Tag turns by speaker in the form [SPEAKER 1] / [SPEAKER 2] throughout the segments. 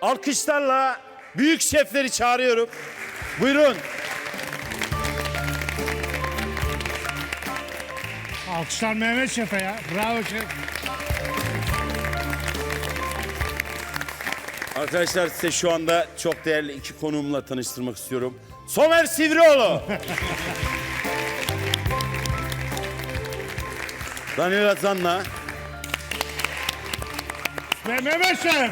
[SPEAKER 1] alkışlarla büyük şefleri çağırıyorum. Buyurun.
[SPEAKER 2] Alkışlar Mehmet Şef'e ya. Bravo şef.
[SPEAKER 1] Arkadaşlar size şu anda çok değerli iki konuğumla tanıştırmak istiyorum. Somer Sivrioğlu. Daniel Azan'la.
[SPEAKER 2] Ve Mehmet Şef.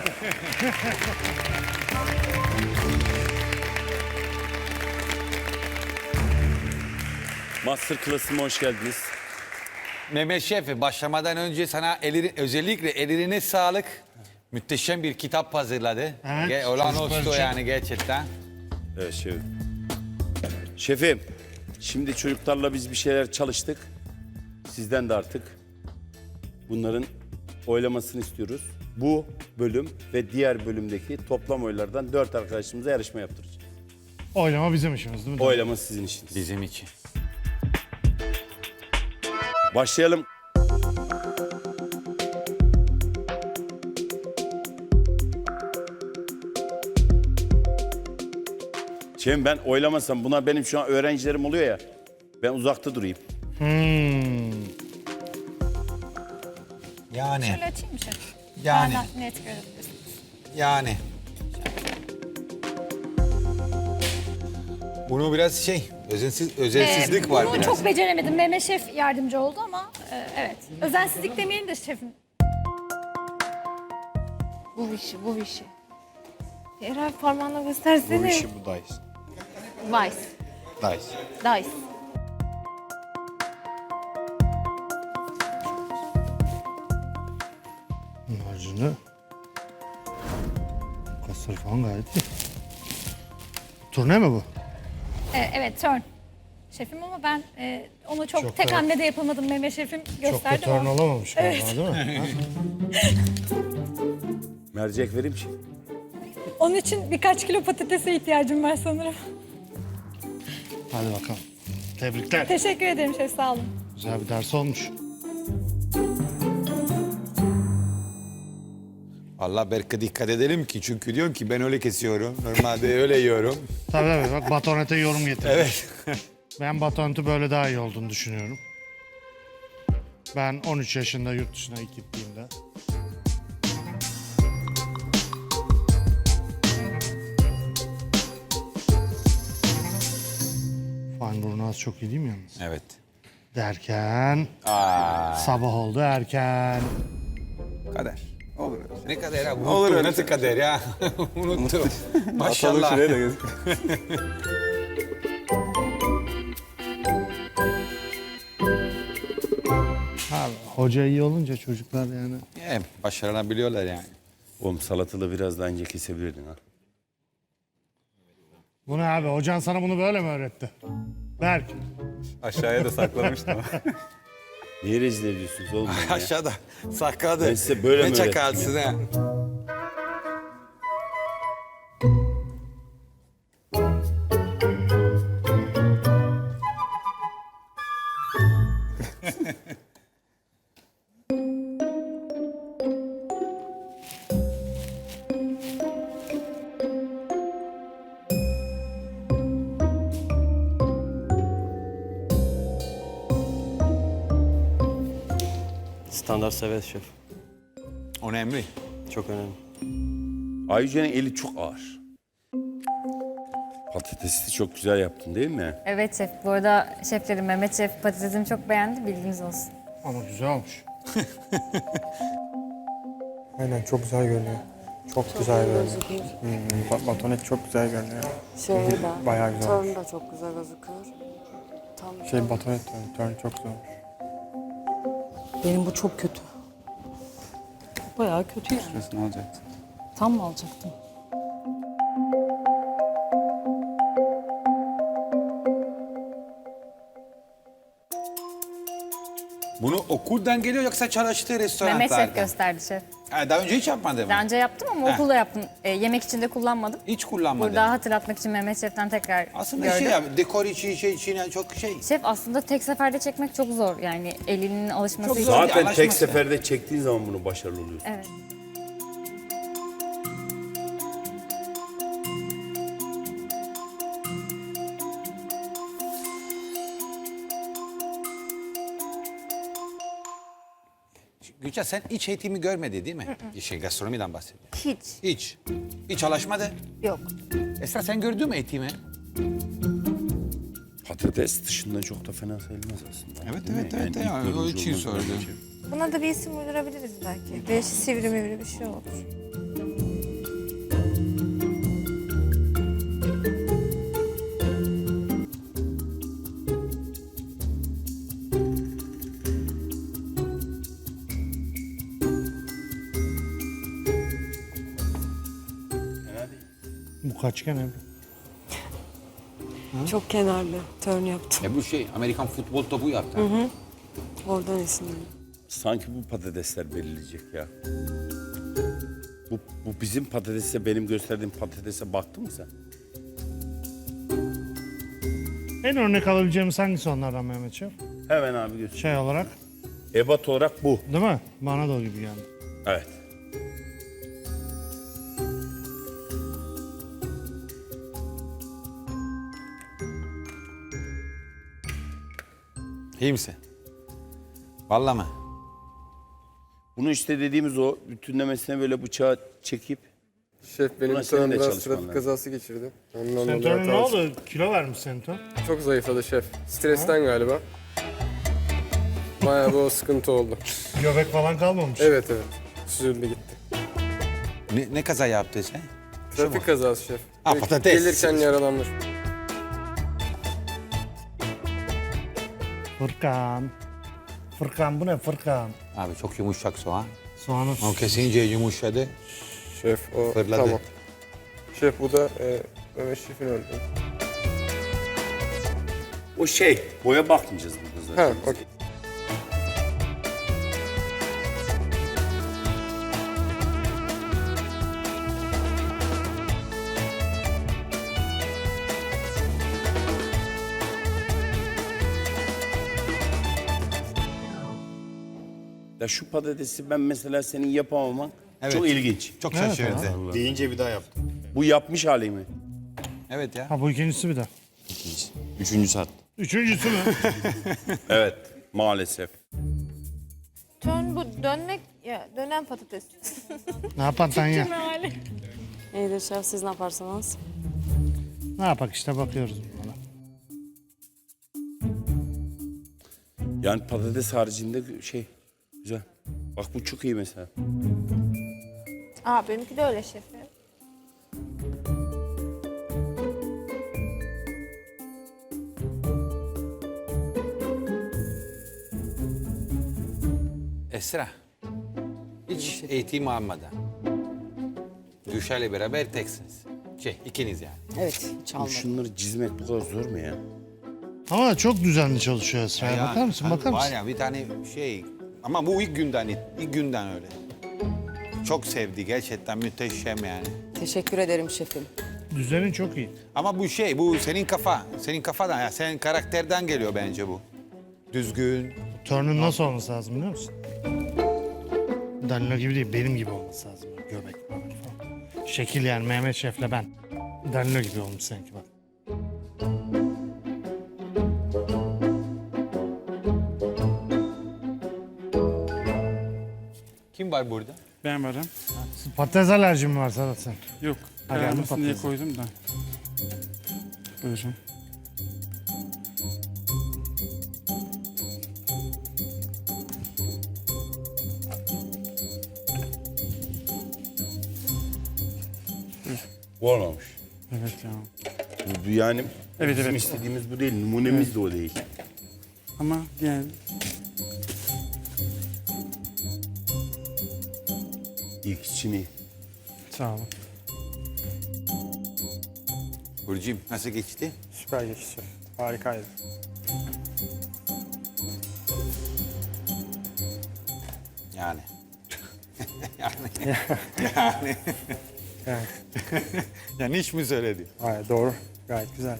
[SPEAKER 1] Master Class'ıma hoş geldiniz.
[SPEAKER 3] Mehmet Şef, başlamadan önce sana özellikle ellerine sağlık. Müthişem bir kitap hazırladı.
[SPEAKER 2] Evet,
[SPEAKER 3] Olan
[SPEAKER 2] çocuklar
[SPEAKER 3] oldu
[SPEAKER 2] için.
[SPEAKER 3] yani gerçekten.
[SPEAKER 1] Evet şefim. Şefim, şimdi çocuklarla biz bir şeyler çalıştık. Sizden de artık bunların oylamasını istiyoruz. Bu bölüm ve diğer bölümdeki toplam oylardan 4 arkadaşımıza yarışma yaptıracağız.
[SPEAKER 2] Oylama bizim işimiz değil mi?
[SPEAKER 1] Oylama sizin işiniz.
[SPEAKER 3] Bizim için.
[SPEAKER 1] Başlayalım. Şefim ben oylamasam buna benim şu an öğrencilerim oluyor ya. Ben uzakta durayım.
[SPEAKER 3] Yani.
[SPEAKER 4] Şöyle açayım mı şef?
[SPEAKER 3] Yani.
[SPEAKER 4] Daha net görebilirsiniz.
[SPEAKER 3] Yani. Bunu biraz özensizlik var
[SPEAKER 4] Bunu
[SPEAKER 3] biraz.
[SPEAKER 4] çok beceremedim. Mehmet Şef yardımcı oldu ama evet. Özensizlik demeyelim de şefim.
[SPEAKER 5] Bu Vichy. Eğer parmağınla göstersene.
[SPEAKER 6] Bu işi bu Dice.
[SPEAKER 5] Vice.
[SPEAKER 6] Dice.
[SPEAKER 5] Dice.
[SPEAKER 2] Harcını. Kasları falan gayet iyi. Turne mi bu?
[SPEAKER 4] Evet turn. Şefim ama ben onu çok tek
[SPEAKER 2] da-
[SPEAKER 4] hamlede yapamadım. Mehmet Şefim
[SPEAKER 2] Çok da
[SPEAKER 4] gösterdi
[SPEAKER 2] turn
[SPEAKER 4] ama.
[SPEAKER 2] olamamış galiba değil mi? Ha?
[SPEAKER 1] Mercek vereyim şef.
[SPEAKER 4] Onun için birkaç kilo patatese ihtiyacım var sanırım.
[SPEAKER 2] Hadi bakalım. Tebrikler.
[SPEAKER 4] Teşekkür ederim şef, sağ olun.
[SPEAKER 2] Güzel bir ders olmuş.
[SPEAKER 3] Allah belki dikkat edelim ki çünkü diyorum ki ben öyle kesiyorum. Normalde öyle yiyorum.
[SPEAKER 2] Tabii bak batonete yorum getirmiş.
[SPEAKER 3] Evet.
[SPEAKER 2] Ben batoneti böyle daha iyi olduğunu düşünüyorum. Ben 13 yaşında yurt dışına ilk gittiğimde. Feinburnu çok iyi değil mi yalnız?
[SPEAKER 3] Evet.
[SPEAKER 2] Derken sabah oldu erken.
[SPEAKER 3] Kader. Olur. Ne kader ya? Olur. Nasıl kader ya? Unuttum. Maşallah.
[SPEAKER 2] Abi, hoca iyi olunca çocuklar yani.
[SPEAKER 3] Başarılabiliyorlar yani.
[SPEAKER 1] Oğlum salatalı biraz daha ince kesebilirdin ha.
[SPEAKER 2] Bu ne abi? Hocan sana bunu böyle mi öğretti? Berk.
[SPEAKER 6] Aşağıya da saklamıştım.
[SPEAKER 1] Niye rezil ediyorsunuz oğlum beni ya?
[SPEAKER 3] Aşağıda sakladı.
[SPEAKER 1] Ben size böyle mi
[SPEAKER 3] Ne
[SPEAKER 1] öğrettim
[SPEAKER 3] çakalsın ha?
[SPEAKER 6] Standart sevet şef.
[SPEAKER 3] Önemli.
[SPEAKER 6] Çok önemli.
[SPEAKER 1] Ayüce'nin eli çok ağır. Patatesi de çok güzel yaptın değil mi?
[SPEAKER 7] Evet şef. Bu arada şeflerim Mehmet Şef patatesimi çok beğendi. Bilginiz olsun.
[SPEAKER 2] Ama güzel olmuş.
[SPEAKER 8] Aynen çok güzel görünüyor. Çok güzel görünüyor. Batonet çok güzel görünüyor. Bayağı güzel olmuş.
[SPEAKER 5] da çok güzel gözüküyor. Tam
[SPEAKER 8] Batonet turn çok güzel olmuş.
[SPEAKER 5] benim bu çok kötü. Bayağı kötü yani.
[SPEAKER 6] Şurasını alacaktın.
[SPEAKER 5] Tam mı alacaktım?
[SPEAKER 3] Bunu okuldan geliyor yoksa çalıştığı restoranlardan?
[SPEAKER 7] Mehmet Şef gösterdi şef.
[SPEAKER 3] Ha, daha önce hiç yapmadım.
[SPEAKER 7] Daha önce yaptım ama okulda yaptım. Yemek için de kullanmadım.
[SPEAKER 3] Hiç kullanmadım.
[SPEAKER 7] Burada hatırlatmak için Mehmet Şef'ten tekrar
[SPEAKER 3] Aslında
[SPEAKER 7] gördüm.
[SPEAKER 3] şey ya, dekor için çok şey.
[SPEAKER 7] Şef aslında tek seferde çekmek çok zor. Yani elinin alışması
[SPEAKER 3] Çok
[SPEAKER 7] için.
[SPEAKER 3] zor.
[SPEAKER 1] Zaten tek
[SPEAKER 3] Anlaşması.
[SPEAKER 1] seferde çektiğin zaman bunu başarılı oluyorsun.
[SPEAKER 7] Evet.
[SPEAKER 3] Gülçen sen hiç eğitimi görmedi değil mi? Gastronomiden bahsediyor.
[SPEAKER 7] Hiç.
[SPEAKER 3] Hiç çalışmadı.
[SPEAKER 7] Yok.
[SPEAKER 3] Esra sen gördün mü eğitimi?
[SPEAKER 1] Patates dışında çok da fena sayılmaz aslında.
[SPEAKER 3] Evet,
[SPEAKER 1] Değil mi?
[SPEAKER 3] evet, evet,
[SPEAKER 1] ilk
[SPEAKER 3] yani o
[SPEAKER 1] görünce
[SPEAKER 3] için
[SPEAKER 1] olmaz
[SPEAKER 3] söyledim.
[SPEAKER 1] böyle bir şey.
[SPEAKER 7] Buna da bir isim uydurabiliriz belki. Değişik sivri mivri bir şey olur.
[SPEAKER 2] Bu kaçgen Ebru?
[SPEAKER 5] Çok kenarlı. Turn yaptım.
[SPEAKER 3] Bu şey Amerikan futbol topu yaptı.
[SPEAKER 5] Oradan esinlendim.
[SPEAKER 1] Sanki bu patatesler belirleyecek ya. Bu bizim patatese, benim gösterdiğim patatese baktın mı sen?
[SPEAKER 2] En örnek alabileceğimiz hangisi onlardan Mehmet Şef?
[SPEAKER 1] Hemen abi göster.
[SPEAKER 2] Şey olarak,
[SPEAKER 1] Ebat olarak bu.
[SPEAKER 2] değil mi? Bana da o gibi geldi.
[SPEAKER 1] Evet.
[SPEAKER 3] İyi misin? Vallahi mı?
[SPEAKER 1] Bunu işte dediğimiz o bütünlemesine böyle bıçağı çekip
[SPEAKER 8] Şef benim
[SPEAKER 1] Buna
[SPEAKER 8] bir
[SPEAKER 1] senin
[SPEAKER 8] tane
[SPEAKER 1] de
[SPEAKER 8] biraz
[SPEAKER 1] çalışman
[SPEAKER 8] trafik
[SPEAKER 1] lazım.
[SPEAKER 8] kazası geçirdi. Ondan
[SPEAKER 2] Senton'un ne
[SPEAKER 8] hatası-
[SPEAKER 2] oldu? Kilo vermiş Senton.
[SPEAKER 8] Çok zayıfladı şef. Stresten galiba. Bayağı bir o sıkıntı oldu.
[SPEAKER 2] Göbek falan kalmamış.
[SPEAKER 8] Evet evet. Süzüldü gitti.
[SPEAKER 3] Ne kaza yaptı sen?
[SPEAKER 8] Trafik kazası şef.
[SPEAKER 3] Ha, patates.
[SPEAKER 8] Gelirken yaralanmış.
[SPEAKER 2] Fırkan. Fırkan bu ne Fırkan?
[SPEAKER 3] Abi çok yumuşak soğan.
[SPEAKER 2] Soğanı
[SPEAKER 3] O kesince yumuşadı.
[SPEAKER 8] Şef o
[SPEAKER 3] Fırladı.
[SPEAKER 8] tamam. Şef bu da Mehmet Şef'in öldü.
[SPEAKER 1] o şey boya bakmayacağız burada
[SPEAKER 8] Ha
[SPEAKER 1] zaten.
[SPEAKER 8] okey.
[SPEAKER 1] Ya şu patatesi ben mesela senin yapamaman
[SPEAKER 3] Evet.
[SPEAKER 1] çok ilginç.
[SPEAKER 3] Çok şaşırdı.
[SPEAKER 6] Deyince bir daha yaptım.
[SPEAKER 1] Bu yapmış hali mi?
[SPEAKER 3] Evet ya.
[SPEAKER 2] Ha bu ikincisi bir de.
[SPEAKER 6] Üçüncü saat.
[SPEAKER 2] Üçüncüsü mü?
[SPEAKER 1] Evet maalesef.
[SPEAKER 7] Turn bu dönmek ya dönen patates.
[SPEAKER 2] Ne yapan sen ya?
[SPEAKER 5] İyidir şef, siz ne yaparsanız.
[SPEAKER 2] Ne yapak işte bakıyoruz buna.
[SPEAKER 1] Yani patates haricinde şey güzel. Bak bu çok iyi mesela.
[SPEAKER 7] Aa benimki de öyle şefim.
[SPEAKER 3] Esra. Hiç eğitim almadan. Gülşah'la beraber teksiniz. İkiniz yani.
[SPEAKER 5] Evet, hiç almadım.
[SPEAKER 1] Şunları çizmek bu kadar zor mu ya?
[SPEAKER 2] Ama çok düzenli çalışıyor Esra'ya.
[SPEAKER 3] Ya,
[SPEAKER 2] Bakar mısın?
[SPEAKER 3] hani
[SPEAKER 2] Bakar
[SPEAKER 3] Var
[SPEAKER 2] mısın?
[SPEAKER 3] ya bir tane şey. Ama bu ilk günden öyle. Çok sevdi gerçekten muhteşem yani.
[SPEAKER 5] Teşekkür ederim şefim.
[SPEAKER 2] Düzeni çok iyi.
[SPEAKER 3] Ama bu senin kafadan ya senin karakterden geliyor bence bu. Düzgün.
[SPEAKER 2] Turn'un nasıl olması lazım biliyor musun? Danilo gibi değil, benim gibi olması lazım. Göbek falan. Şekil yani Mehmet Şef'le ben. Danilo gibi olmuş sanki bak.
[SPEAKER 3] Kim var burada?
[SPEAKER 9] Ben varım.
[SPEAKER 2] Patates alerjin mi var Sedat sen?
[SPEAKER 9] Yok.
[SPEAKER 2] Ha, geldim
[SPEAKER 9] Kararmasın diye
[SPEAKER 2] patates.
[SPEAKER 9] koydum da. Buyurun.
[SPEAKER 1] Bu olmamış.
[SPEAKER 9] Evet ya.
[SPEAKER 1] Bu yani
[SPEAKER 9] Evet,
[SPEAKER 1] bizim
[SPEAKER 9] evet.
[SPEAKER 1] istediğimiz bu değil. Numunemiz de o değil.
[SPEAKER 9] Ama yani
[SPEAKER 1] İlk içini.
[SPEAKER 9] sağ olun.
[SPEAKER 3] Burcu'm nasıl geçti?
[SPEAKER 8] Süper geçti şef. Harikaydı.
[SPEAKER 3] Yani. yani.
[SPEAKER 8] Yani,
[SPEAKER 3] Yani hiç mi söyledi?
[SPEAKER 8] hayır, doğru. Gayet güzel.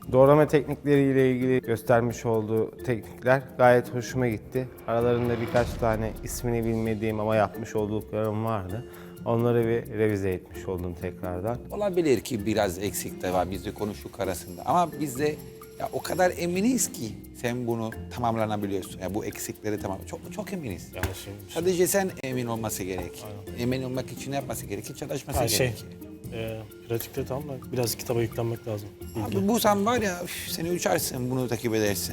[SPEAKER 10] Doğrama teknikleriyle ilgili göstermiş olduğu teknikler gayet hoşuma gitti. Aralarında birkaç tane ismini bilmediğim ama yapmış olduklarım vardı. Onları bir revize etmiş oldum tekrardan.
[SPEAKER 3] Olabilir ki biraz eksik de var bizde konuştuk arasında. Ama biz de ya o kadar eminiz ki sen bunu tamamlanabiliyorsun. Ya bu eksikleri tamam. Çok eminiz. Sadece sen emin olması gerek. Emin olmak için ne yapması gerekir? Çalışması gerekir.
[SPEAKER 2] Pratikte tamam da biraz kitaba yüklenmek lazım.
[SPEAKER 3] Abi bu sen var ya üf, seni uçarsın bunu takip edersin.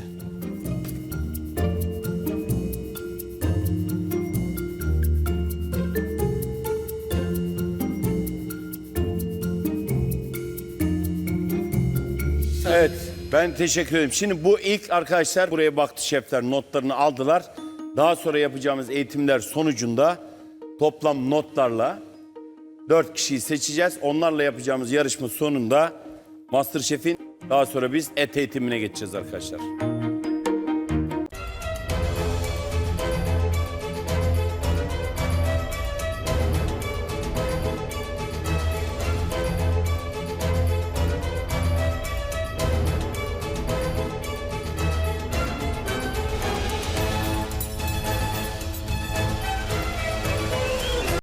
[SPEAKER 1] Evet, ben teşekkür ederim. Şimdi bu ilk arkadaşlar buraya baktı şefler, notlarını aldılar. Daha sonra yapacağımız eğitimler sonucunda toplam notlarla 4 kişiyi seçeceğiz. Onlarla yapacağımız yarışma sonunda MasterChef'in daha sonra biz et eğitimine geçeceğiz arkadaşlar.